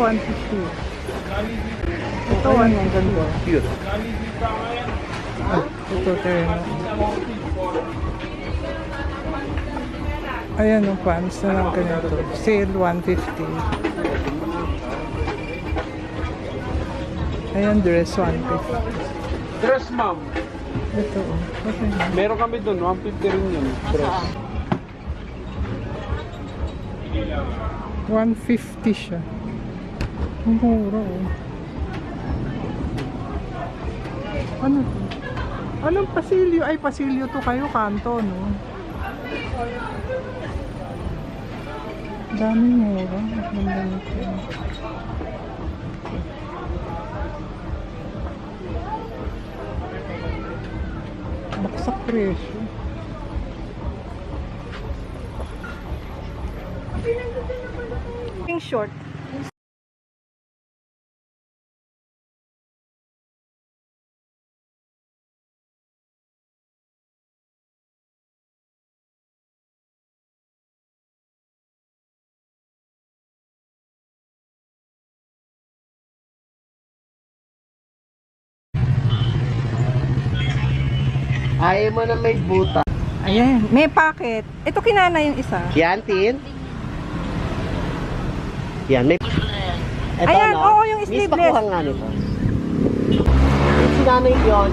150. Ito, 150. Cute. Ito, terno. Ayan yung pants na lang ganito. Sale 150. Ayan, dress 150. Dress, ma'am. Ito, okay. Meron kami doon, 150 rin yun. Dress. 150 siya. Ang mura, oh. Ano to? Anong pasilyo? Ay, pasilyo to kayo, kanto, no? Daming mura. Ang ganda nito. Baksak presyo. Short. Ayaw mo na may buta. Ayan, may packet. Ito kinana yung isa. Yan, Tin. Yan, may... Ito, Ayan, no? oo, yung Miss, sleeveless. pakuha nga nito. Si Nanay yun.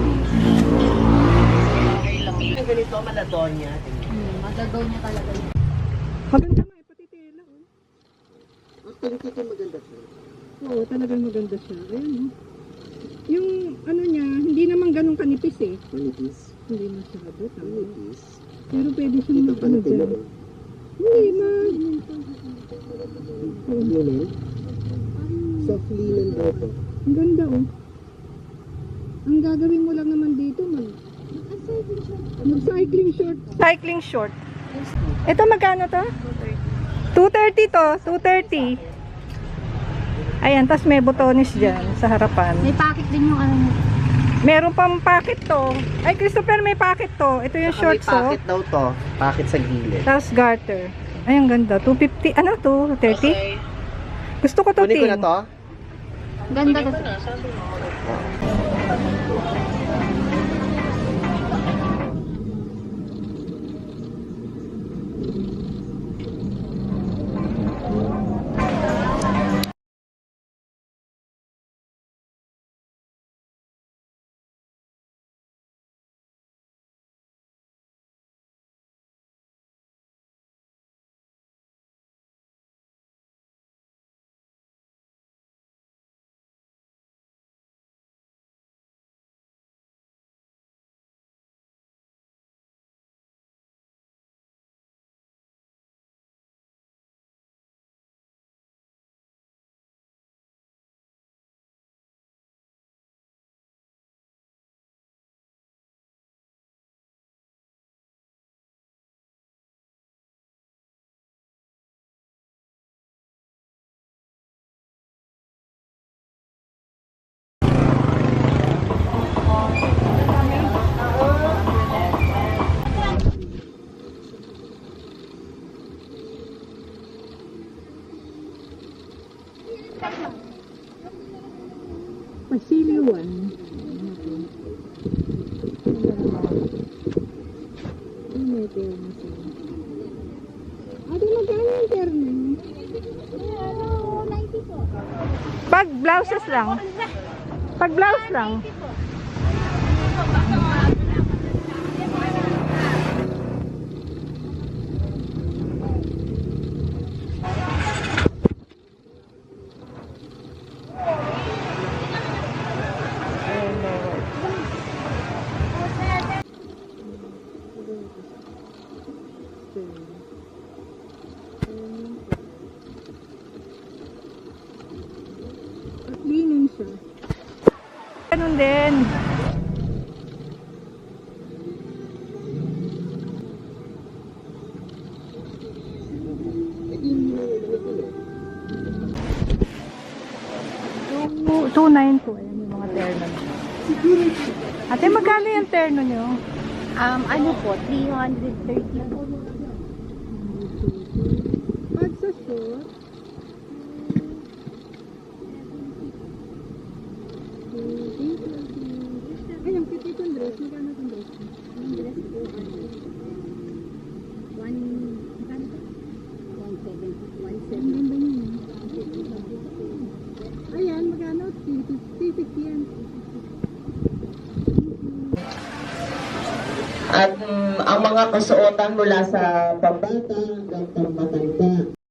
Ang ganito, Maladonia. Madadaw niya talaga yun. Maganda nga, pati tela, oh. Ang tingin ko maganda siya. Oo, talagang maganda siya. Ayan, oh. Yung, ano niya, hindi naman ganun kanipis, eh. Manipis. Hindi masyado, tama. Manipis. Pero pwede siyang Ito mag- pala ano dyan. tila. Hindi, ma. Linen. Soft linen daw to. Ang ganda, oh. Ang gagawin mo lang naman dito, mag-cycling short. Cycling short. Ito magkano to? 230 to, 230. Ayan, tas may botones dyan sa harapan. May packet din yung ano niya. Meron pang packet to. Ay, Christopher, may packet to. Ito yung Saka may shorts, oh. packet daw to. Packet sa gilid. Tapos garter. Ay, ang ganda. 250. Ano to? 30? Okay. Gusto ko to, Kunin ko na Ting. to. Ganda kasi. Pasilyo 1. May terno siya. Ate, magkano yung terno? Pag blouses lang. Pag blouse lang. Linen siya. Ganun din. Two 2.9 po. Ayan yung mga terno. Ate, magkano yung terno nyo? Ano po, 330. Pag sa short, dress. Magkano itong dress? Yung dress po, magkano ito? 170. Ang ganda niya. Ayan, magkano? 350 yan. At ang mga kasuotan mula sa pambata hanggang pambatanda.